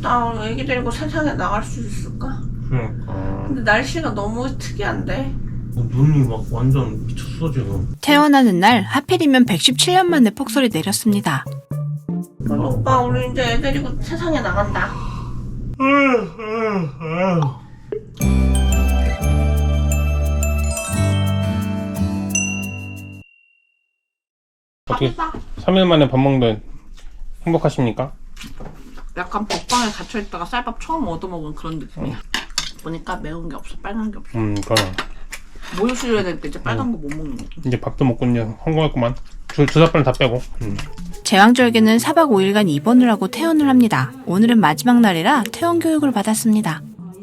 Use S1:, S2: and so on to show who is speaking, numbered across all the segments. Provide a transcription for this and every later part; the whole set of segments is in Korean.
S1: 나 애기 데리고 세상에 나갈 수 있을까?
S2: 그러니까
S1: 근데 날씨가 너무 특이한데.
S2: 눈이 막 완전 미쳤어 지금.
S3: 퇴원하는 날 하필이면 117년 만에 폭설이 내렸습니다.
S1: 오빠 우리 이제 애 데리고 세상에 나간다.
S2: 어떻게 3일 만에 밥 먹는 행복하십니까?
S1: 약간 먹방에 갇혀있다가 쌀밥 처음 얻어먹은 그런 느낌이야. 보니까 매운 게 없어, 빨간 게 없어.
S2: 그럼
S1: 모유 수유해야 될 때 이제 빨간 거 못 먹는 거.
S2: 이제 밥도 먹고 이제 성공했구만. 주사빨은 다 빼고.
S3: 제왕절개는 4박 5일간 입원을 하고 퇴원을 합니다. 오늘은 마지막 날이라 퇴원 교육을 받았습니다.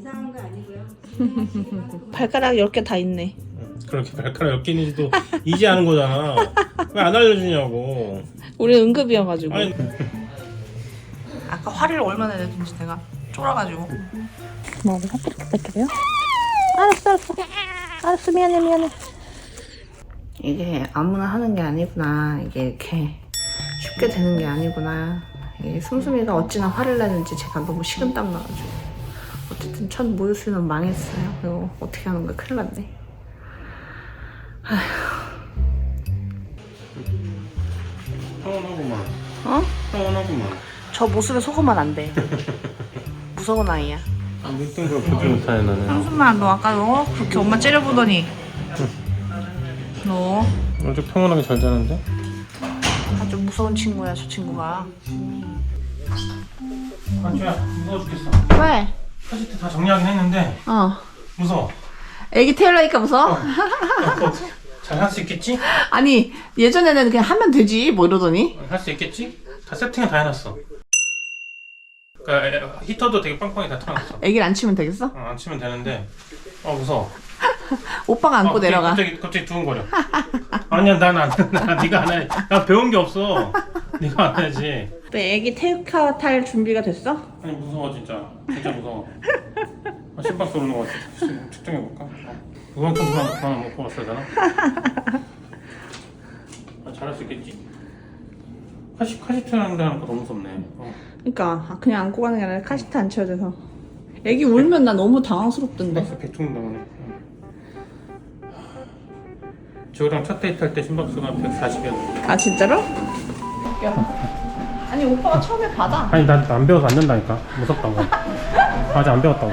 S1: 발가락 10개 다 있네.
S2: 그렇게 발가락 10개 있는지도 이제 아는 거잖아. 왜 안 알려주냐고.
S1: 우리 응급이어가지고.
S2: 아니,
S1: 아까 화를 얼마나 내든지 내가 쫄아가지고.
S3: 뭐 부탁드려요? 알았어 미안해.
S1: 이게 아무나 하는 게 아니구나. 이게 이렇게 쉽게 되는 게 아니구나. 이게 숨숨이가 어찌나 화를 내는지 제가 너무 식은땀 나가지고. 어쨌든 첫 모유 수유는 망했어요. 이거 어떻게 하는 거야? 큰일 났네.
S2: 서운하구만.
S1: 어?
S2: 서운하구만.
S1: 저 모습에 속으면 안 돼. 무서운 아이야.
S2: 아, 눈뜬 걸 보지 못하네 나는.
S1: 한숨만 너 아까 너 그렇게 엄마 째려보더니 너
S2: 아주 평온하게 잘 자는데?
S1: 아주 무서운 친구야 저 친구가.
S2: 안주야 무서워 죽겠어.
S1: 왜?
S2: 카시트 다 정리하긴 했는데 무서워.
S1: 애기 태우려니까 무서워?
S2: 잘 할 수 있겠지?
S1: 아니 예전에는 그냥 하면 되지 뭐 이러더니.
S2: 할 수 있겠지? 다 세팅을 다 해놨어. 그러니까 히터도 되게 빵빵히 다 틀어놨어.
S1: 애기를 안 치면 되겠어?
S2: 안 치면 되는데 무서워.
S1: 오빠가 안고 내려가.
S2: 갑자기 두근거려. 아니야 나 네가 안 해. 나 배운 게 없어. 네가 안 해야지.
S1: 또 애기 태우카 탈 준비가 됐어?
S2: 아니 무서워 진짜 무서워. 심박 쏘는 거 같아. 측정해볼까? 그만큼 그만 먹고 왔어야 되나? 잘할 수 있겠지? 카시트라는 데 하니까 너무 무섭네.
S1: 그러니까 그냥 안고 가는 게 아니라 카시트 안 쳐야 돼서. 애기 울면 나 너무 당황스럽던데.
S2: 심박수 100중 나오네. 저랑 첫 데이트 할 때 심박수가 140이었는데.
S1: 아 진짜로? 아니 오빠가 처음에 받아.
S2: 아니 난 안 배워서 안 된다니까. 무섭다고. 아직 안 배웠다고.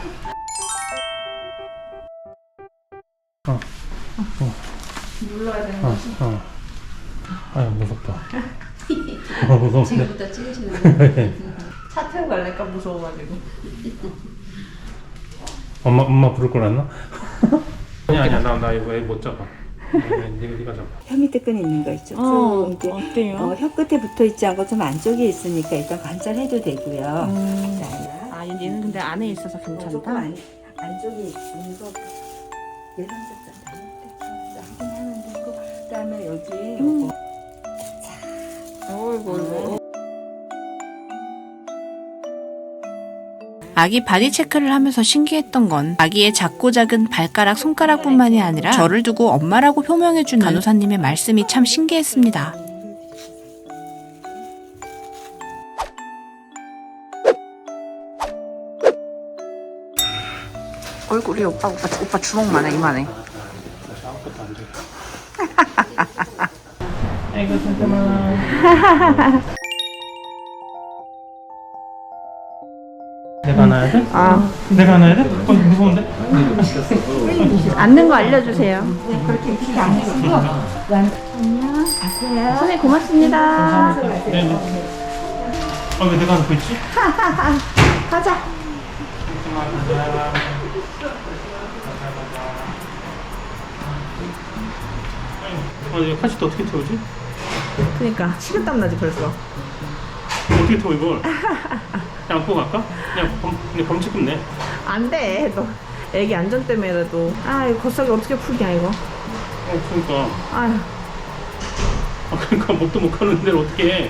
S1: 눌러야 되는 거지.
S2: 아유 무섭다. 무서운데.
S4: 지금부터 찍으시는
S1: 차 태우고 갈래까 무서워가지고.
S2: 엄마 부를 걸 했나? 아니야 나 이거 애 못 잡아. 네가 잡아.
S4: 혀 밑에 끈 있는 거 있죠? 좀 이렇게
S1: 어때요?
S4: 혀 끝에 붙어 있지 않고 좀 안쪽에 있으니까 일단 관찰해도 되고요.
S1: 아 얘는 근데 안에 있어서
S4: 조금
S1: 괜찮다.
S4: 안쪽에 있는 거 예상됐잖아. 확인하면 되고 그다음에 여기 요거
S1: 어이구.
S3: 아기 바디 체크를 하면서 신기했던 건 아기의 작고 작은 발가락, 손가락뿐만이 아니라 저를 두고 엄마라고 표명해주는 간호사님의 말씀이 참 신기했습니다.
S1: 얼굴이 오빠 주먹만 해 이만해.
S2: 아무것도 안 돼. 아이고 잠깐만. 내가 안아야 돼? 내가 안아야 돼? 무서운데?
S1: 앉는 거 알려주세요. 선생님 고맙습니다.
S2: 네네. 왜 내가 안고 있지?
S1: 가자.
S2: 이거 카시트 어떻게 태우지?
S1: 그러니까 식은땀 나지 벌써.
S2: 어떻게 태워 이걸? 그냥 안고 갈까? 그냥 범칙 끝내.
S1: 안 돼. 너 애기 안전 때문에라도. 아 이거 겉삭이 어떻게 풀냐 이거.
S2: 그러니까.
S1: 아휴.
S2: 그러니까 목도 못 가는 데를 어떻게 해?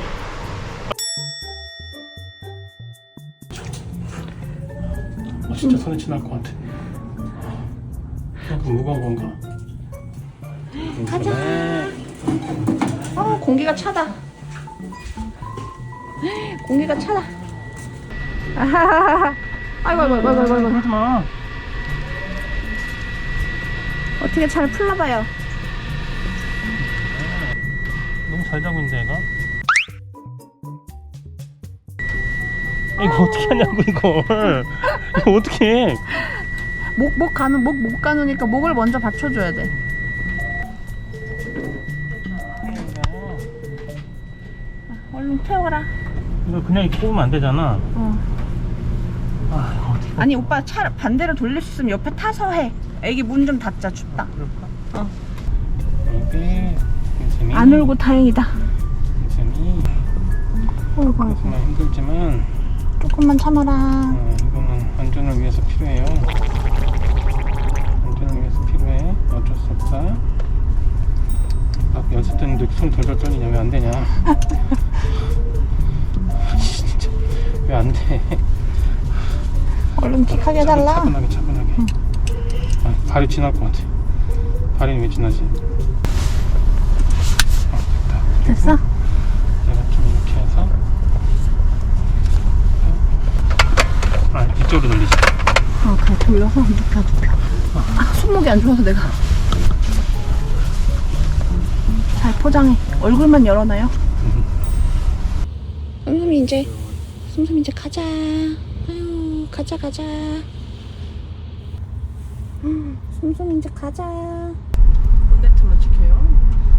S2: 진짜 손에 치날 것 같아. 그만큼 무거운 건가?
S1: 가자. 공기가 차다. 공기가 차다. 아이고 아이고 아이고 아이고 아이고.
S2: 그러지 마.
S1: 어떻게 잘 풀러봐요.
S2: 너무 잘 자고 있는데 얘가. 이거 어떻게 하냐고 이걸. 이거 어떻게 해?
S1: 목 가누니까 목을 먼저 받쳐줘야 돼. 얼른 태워라.
S2: 이거 그냥 이렇게 뽑으면 안 되잖아.
S1: 어.
S2: 아 이거 어떻게.
S1: 아니 오빠 차 반대로 돌릴 수 있으면 옆에 타서 해. 애기 문 좀 닫자. 춥다.
S2: 그럴까?
S1: 어.
S2: 이게 재미.
S1: 안 울고 다행이다.
S2: 재미.
S1: 어이구 아이고.
S2: 정말 힘들지만
S1: 조금만 참아라.
S2: 이거는 안전을 위해서 필요해요. 안전을 위해서 필요해. 어쩔 수 없다. 막 연습 때는데 손 덜덜 떨리냐? 왜 안 되냐? 진짜 왜 안 돼?
S1: 얼른 킥하게 해달라.
S2: 차분하게. 아, 발이 지날 것 같아. 발이 왜 지나지? 됐다.
S1: 됐어?
S2: 내가 좀 이렇게 해서 이쪽으로 돌리자.
S1: 그래 돌려서 눕혀. 손목이 안 좋아서 내가. 잘 포장해. 얼굴만 열어놔요. 슴슴이 이제 가자. 아유 가자. 슴슴이 이제 가자. 본네트만 지켜요.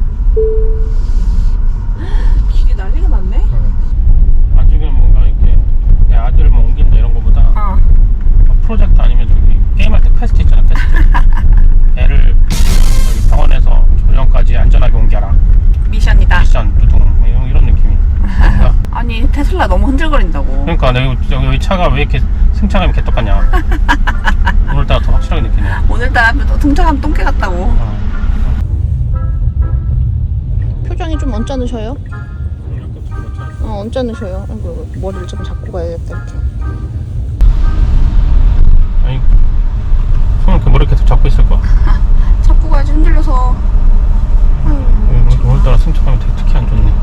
S1: 길이 난리가 났네.
S2: 아직은 뭔가 이렇게 내 아들을 뭐 옮긴다 이런 거보다 프로젝트 아니면 저기 게임할 때 퀘스트 있잖아. 애를 여기 병원에서 조정까지 안전하게 옮겨라.
S1: 미션이다.
S2: 미션 두둥 이런 느낌이. 그러니까,
S1: 아니 테슬라 너무 흔들거린다고.
S2: 그러니까 내가 여기 차가 왜 이렇게 승차감이 개떡같냐. 오늘따라 더 확실하게 느끼네.
S1: 오늘따라 등장하면 똥개 같다고. 표정이 좀 언짢으셔요? 언짢으셔요. 아이고, 머리를 좀 잡고 가야겠다 이렇게.
S2: 아니 손을 이렇게 머리 계속 잡고 있을 거야.
S1: 잡고 가야지 흔들려서.
S2: 오늘따라 승차감이 되게 특히 안 좋네.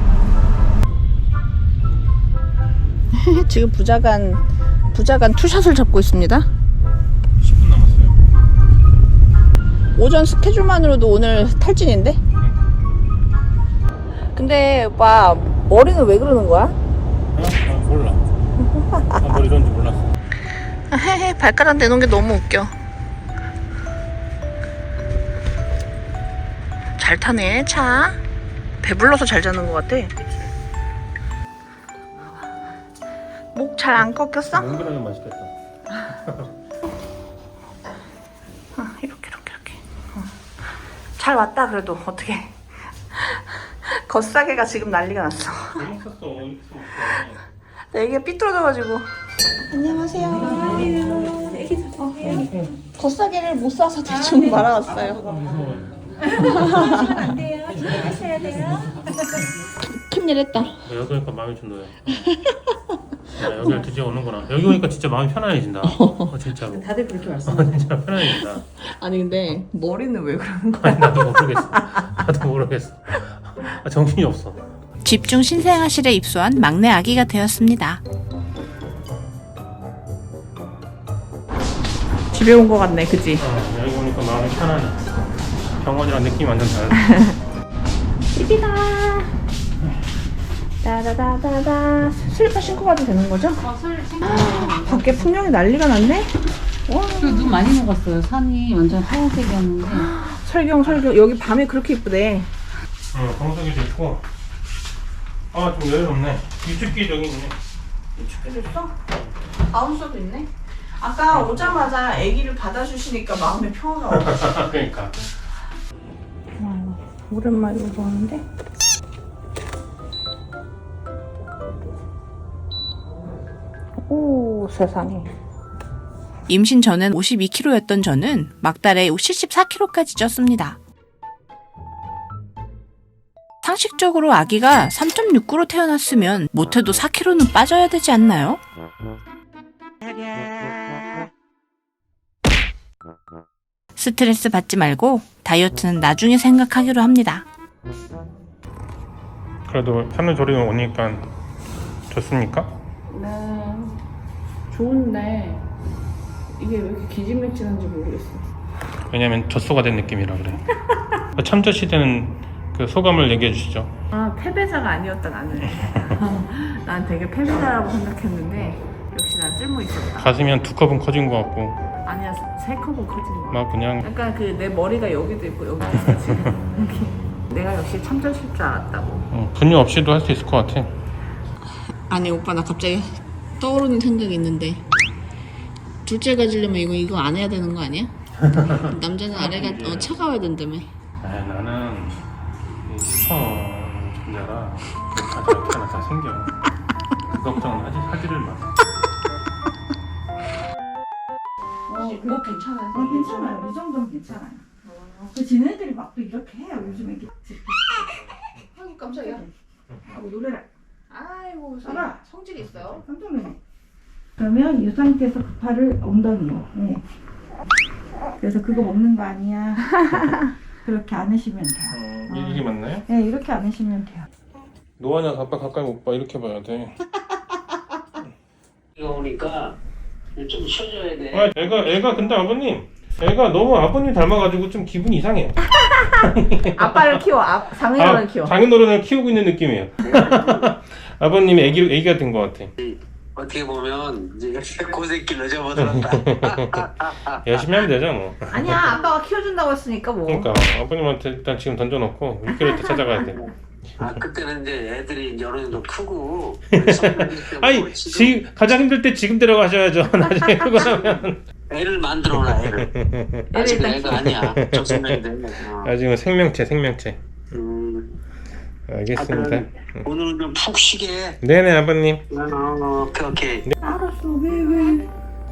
S1: 지금 부자간 투샷을 잡고 있습니다.
S2: 10분 남았어요.
S1: 오전 스케줄만으로도 오늘 탈진인데? 근데 오빠 머리는 왜 그러는 거야?
S2: 몰라. 뭘 이런지 몰랐어.
S1: 헤헤 발가락 내놓은 게 너무 웃겨. 잘 타네 차. 배불러서 잘 자는 것 같아. 목 잘 안 꺾였어?
S2: 몽글하게 맛있겠다.
S1: 이렇게. 잘 왔다 그래도 어떻게. 겉싸개가 지금 난리가 났어. 애기가 삐뚤어져가지고. 안녕하세요. 겉싸개를 못 싸서 대충 말아왔어요.
S4: 안 돼요. 준비하셔야 돼요.
S1: 큰일 했다.
S2: 여기 오니까 마음이 좀 놓여. 야, 여기를 드디어 오는구나. 여기 오니까 진짜 마음이 편안해진다. 진짜로.
S4: 다들 그렇게 말씀하세요.
S2: 진짜 편안해진다.
S1: 아니 근데 머리는 왜 그러는 거야?
S2: 아니 나도 모르겠어. 정신이 없어.
S3: 집중 신생아실에 입소한 막내 아기가 되었습니다.
S1: 집에 온 거 같네, 그지?
S2: 여기 오니까 마음이 편안해. 병원이랑 느낌이 완전 달라.
S1: 집이다. 다다다다다. 슬리퍼 신고 가도 되는 거죠? 밖에 풍경이 난리가 났네. 와.
S5: 눈 많이 녹았어요. 산이 완전 하얀색이었는데.
S1: 설경 여기 밤에 그렇게 이쁘대.
S2: 방석이도 있고. 좀 여유롭네. 유축기 저기 있네.
S1: 춥게 됐어? 바운서도 있네. 아까 오자마자 아기를 받아주시니까 마음의 평화가 없어.
S2: 그러니까.
S1: 오랜만에 보는데. 오 세상에.
S3: 임신 전엔 52kg였던 저는 막달에 74kg까지 쪘습니다. 상식적으로 아기가 3.6kg 태어났으면 못해도 4kg는 빠져야 되지 않나요? 스트레스 받지 말고 다이어트는 나중에 생각하기로 합니다.
S2: 그래도 산후조리원 오니까 좋습니까?
S1: 네. 좋은데 이게 왜 이렇게 기진맥진한지 모르겠어.
S2: 왜냐면 젖소가 된 느낌이라 그래. 참저 시대는 그 소감을 얘기해 주시죠.
S1: 아, 패배자가 아니었다 나는. 난 되게 패배자라고 생각했는데 역시 난 쓸모 있었다.
S2: 가슴이 한 2컵은 커진 것 같고
S1: 아니야, 3컵은 커진 거.
S2: 막 그냥
S1: 약간 그 내 머리가 여기도 있고 여기도 있어 지금. 여기. 내가 역시 참전실 줄 알았다고.
S2: 분유 없이도 할 수 있을 것 같아.
S3: 아니 오빠 나 갑자기 떠오르는 생각이 있는데 둘째 가지려면 이거 안 해야 되는 거 아니야? 남자는 아래가 차가워야 된다며.
S2: 나는 이 슈퍼 존재라 가지 어떻게 하나 다 생겨. 그 걱정은 하지를 마.
S1: 그거 괜찮아요.
S4: 괜찮아요. 이 정도는 괜찮아요. 그 지네들이 막 또 이렇게 해요. 요즘에 이렇게.
S1: 아이고 깜짝이야.
S4: 하고 노래를.
S1: 아이고
S4: 알아.
S1: 성질이 있어요.
S4: 깜짝 놀래. 그러면 이 상태에서 팔을 엉덩이로. 네. 그래서 그거 먹는 거 아니야. 그렇게 안으시면 돼요.
S2: 이게 맞나요?
S4: 네, 이렇게 안으시면 돼요.
S2: 노아냐 아빠 가까이 못 봐. 이렇게 봐야 돼.
S6: 이거 오니까 좀 쉬어줘야 돼.
S2: 애가 근데 아버님 애가 너무 아버님 닮아가지고 좀 기분이 이상해요.
S1: 아빠를 키워. 장인어른 키워.
S2: 장인어른을 키우고 있는 느낌이에요. 아버님이 애기가 된 것 같아.
S6: 어떻게 보면 이제 고생길로 접어들었다.
S2: 열심히 하면 되죠 뭐.
S1: 아니야, 아빠가 키워준다고 했으니까 뭐.
S2: 그러니까 아버님한테 일단 지금 던져놓고 6개월 때 찾아가야 돼.
S6: 그때는 이제 애들이 이제 어느 정도 크고.
S2: 아니 지금 가장 힘들 때 지금 데려가셔야죠. 나중에 크고 나면.
S6: 애를 만들어놔 애를. 아직은 애가 아니야. 적성명이 됐네.
S2: 아직은 생명체. 알겠습니다.
S6: 그럼 오늘은 좀 푹 쉬게.
S2: 네네 아버님.
S6: 오케이.
S1: 알았어. 왜?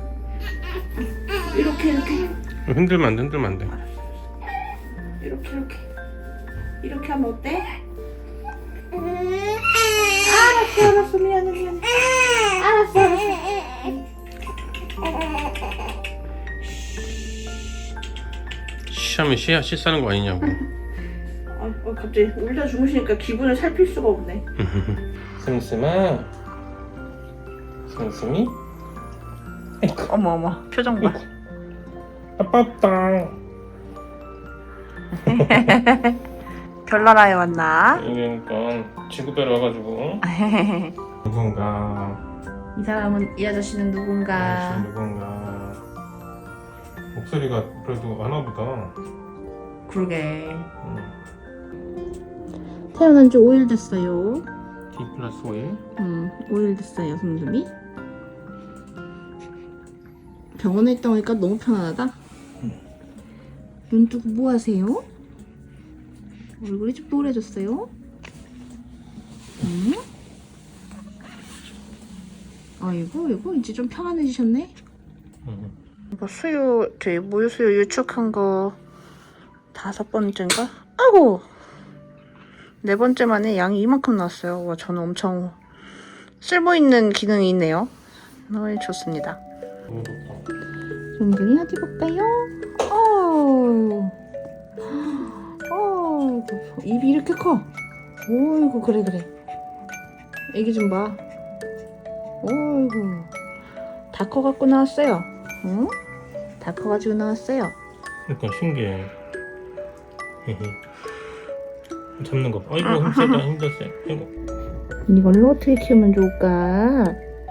S1: 이렇게.
S2: 흔들면 안 돼.
S1: 이렇게 하면 어때? 알았어. 미안해. 알았어.
S2: 쉬하면 쉬싸는 거 아니냐고.
S1: 갑자기 울다 주무시니까 기분을 살필 수가 없네.
S2: 슴슴아. 슴슴이?
S1: 어머 표정 봐.
S2: 아빠다.
S1: 별나라에 왔나?
S2: 그러니까 지구배로 와가지고 누군가
S1: 이 사람은 이 아저씨는 누군가.
S2: 누군가 목소리가 그래도 아나보다.
S1: 그러게. 태어난 지 5일 됐어요.
S2: D+5일
S1: 5일 됐어요, 슴슴이. 병원에 있다 오니까 너무 편안하다. 눈 뜨고 뭐 하세요? 얼굴이 좀 노래졌어요? 응? 아이고 이제 좀 편안해지셨네. 저희 모유수유 유축한 거 5번째인가? 아이고 4번째 만에 양이 이만큼 나왔어요. 와, 저는 엄청 쓸모있는 기능이 있네요. 좋습니다. 은근히 어디 볼까요? 입이 이렇게 커. 어이구 그래. 애기 좀 봐. 어이구 다 커갖고 나왔어요. 응? 다 커가지고 나왔어요.
S2: 그러니까 신기해. 잡는 거 봐. 아이고 힘들었어요.
S1: 이걸로 어떻게 키우면 좋을까?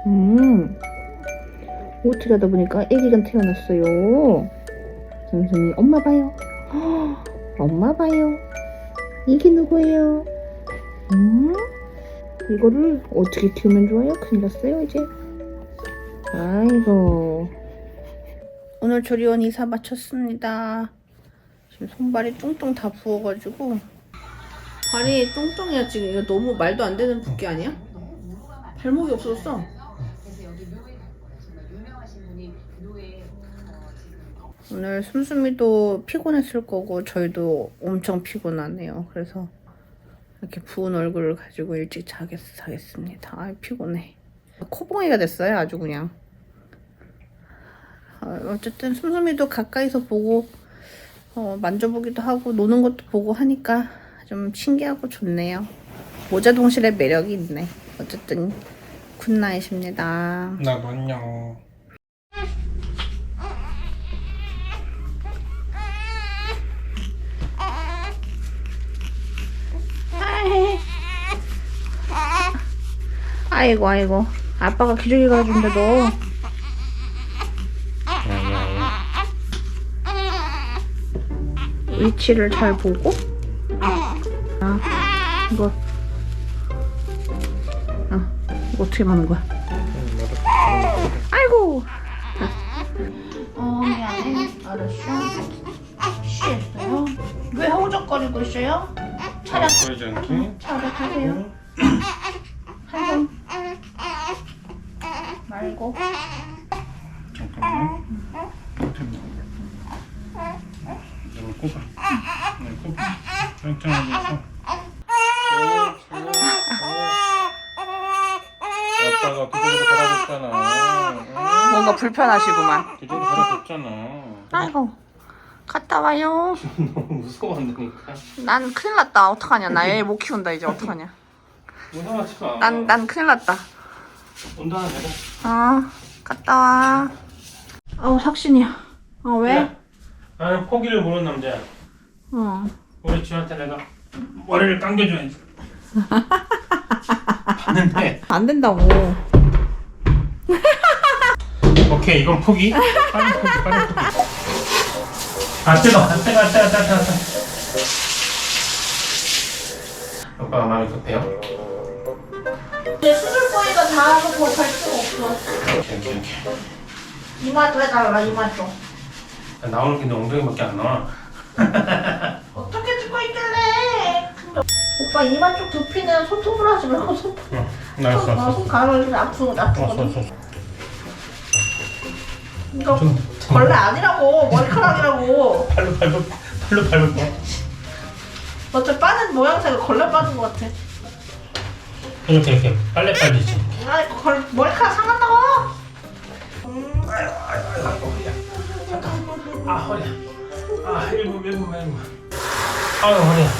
S1: 어떻게 하다 보니까 애기가 태어났어요. 슴슴이 엄마 봐요. 엄마 봐요. 이게 누구예요? 이거를 어떻게 키우면 좋아요? 큰일 났어요 이제. 아이고. 오늘 조리원 이사 마쳤습니다. 지금 손발이 뚱뚱 다 부어가지고 발이 뚱뚱해요 지금. 이거 너무 말도 안 되는 붓기 아니야? 발목이 없어졌어. 오늘 슴슴이도 피곤했을 거고 저희도 엄청 피곤하네요. 그래서 이렇게 부은 얼굴을 가지고 일찍 자겠습니다. 아 피곤해. 코봉이가 됐어요 아주 그냥. 어쨌든 슴슴이도 가까이서 보고 만져보기도 하고 노는 것도 보고 하니까 좀 신기하고 좋네요. 모자동실의 매력이 있네. 어쨌든 굿나잇입니다.
S2: 나도 안녕.
S1: 아이고 아이고. 아빠가 기저귀 갈아준대도. 위치를 잘 보고. 이거. 이거 어떻게 하는 거야? 아이고. 미안해. 알았어. 쉬었어요. 왜 허우적거리고 있어요? 차렷.
S2: 보이지 않게.
S1: 차렷하세요. 한손 말고.
S2: 잠깐만. 이거 꼽아. 네, 꼽아. 짱짱하게 해서. 아빠가 기저귀로 갈아줬잖아.
S1: 뭔가 불편하시구만.
S2: 기저귀 갈아줬잖아.
S1: 아이고. 갔다 와요.
S2: 너무 무서워한다니까.
S1: 난 큰일 났다. 어떡하냐. 나 애 못 키운다 이제. 어떡하냐.
S2: 무서워하지 마.
S1: 난 큰일 났다.
S2: 온도 하나 내고.
S1: 갔다 와. 삭신이야. 왜?
S2: 야, 나는 포기를 모르는 남자야. 우리 지한테 내가 머리를 당겨줘야지. 봤는데.
S1: 안 된다고.
S2: 오케이, 이건 포기. 빠른 포기, 빠른 포기. 뜨거. 오빠가 마음이 급해요?
S1: 내 수술 거리가 다 하고 더 갈 수가 없어.
S2: 오케이.
S1: 이마 좀 해달라. 이마 좀.
S2: 나오는 게 엉덩이밖에 안 나와.
S1: 어떻게 찍고 있길래? 오빠 이마 쪽 두피는 손톱으로 하지 말고 손
S2: 나왔어.
S1: 가면 아프거든.
S2: 왔어.
S1: 이거 벌레 아니라고. 머리카락이라고.
S2: 팔로 밟을 거.
S1: 어차피 빠진 모양새가 걸레 빠진 것 같아.
S2: 이렇게 빨래 빨리지.
S1: 머리카락 상한다고.
S2: 아이고 허리야. 잠깐. 허리야. 1분. 아유 허리야.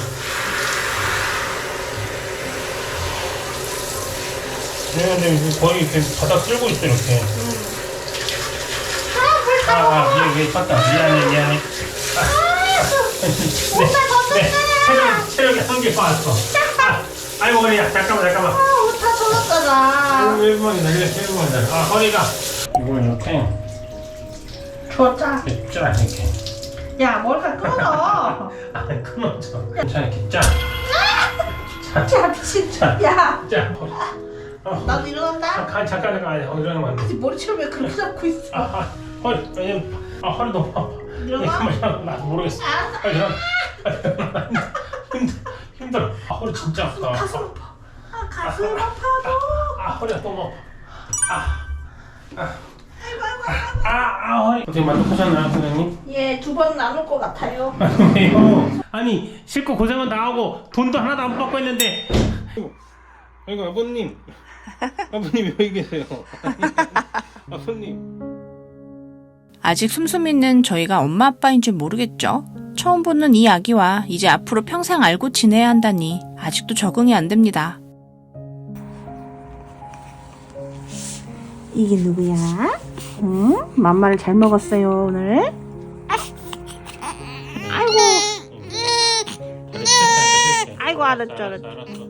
S2: 근데 거의 이렇게 바닥 쓸고 있어 이렇게. 얘 컸다. 미안해. 체력이 한개 빠졌어. 아이고 허리야. 잠깐만.
S1: 옷 다 젖었잖아.
S2: 1분만 기다려. 허리가. 이거 이렇게.
S1: 줬자.
S2: 이렇게.
S1: 야 머리카락 끊어져.
S2: 끊어져. 괜찮아, 이렇게 짜.
S1: 야 미친. 야
S2: 짜.
S1: 나도 일어난다.
S2: 잠깐. 이러면 안 돼.
S1: 머리채를 왜 그렇게 잡고 있어?
S2: 허리. 허리 너무 아파.
S1: 일어나.
S2: 나도 모르겠어. 빨리 일어나. 힘들어. 허리 진짜 아프다.
S1: 가슴 아파. 가슴 아파도.
S2: 허리가 너무 아파. 허리. 어떻게 만족하셨나요, 선생님?
S1: 예, 2번 나눌 것 같아요.
S2: 왜요? 아니, 싣고 고생은 다 하고 돈도 하나도 안 받고 했는데. 아이고, 아버님. 아버님 여기 계세요. 아버님.
S3: 아직 숨숨이는 저희가 엄마 아빠인 줄 모르겠죠? 처음 보는 이 아기와 이제 앞으로 평생 알고 지내야 한다니 아직도 적응이 안 됩니다.
S1: 이게 누구야? 응? 맘마를 잘 먹었어요 오늘. 아이고 알았죠.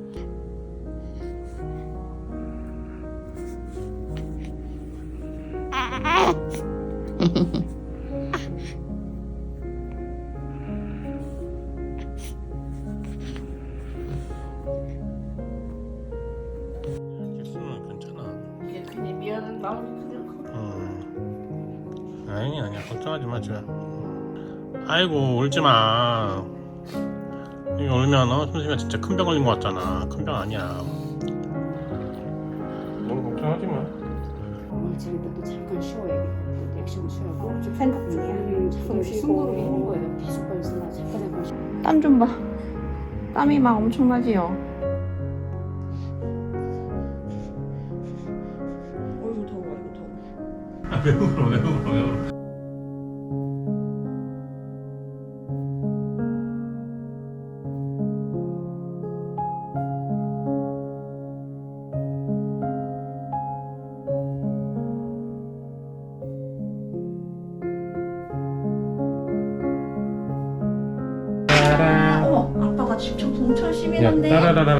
S2: 실수는 괜찮아.
S1: 이게 괜히 미안한 마음이 그냥.
S2: 아니야 걱정하지 마 지금. 아이고 울지 마. 이거 울면 숨쉬면 진짜 큰 병 걸린 것 같잖아. 큰 병 아니야. 너무 걱정하지 마.
S7: 오늘 집에 또 잠깐 쉬어야겠다. 액션 쉬어고
S1: 좀 생각 중이야.
S7: 숨 쉬고 숨고르게 하는 거예요. 계속 걸리나 잠깐 쉬고.
S1: 땀 좀 봐. 땀이 막 엄청나지요. 어이구 더워.
S2: 왜 울어?
S1: 어머, 아빠가 집 청소 엄청 심히 했는데.
S2: 따라라라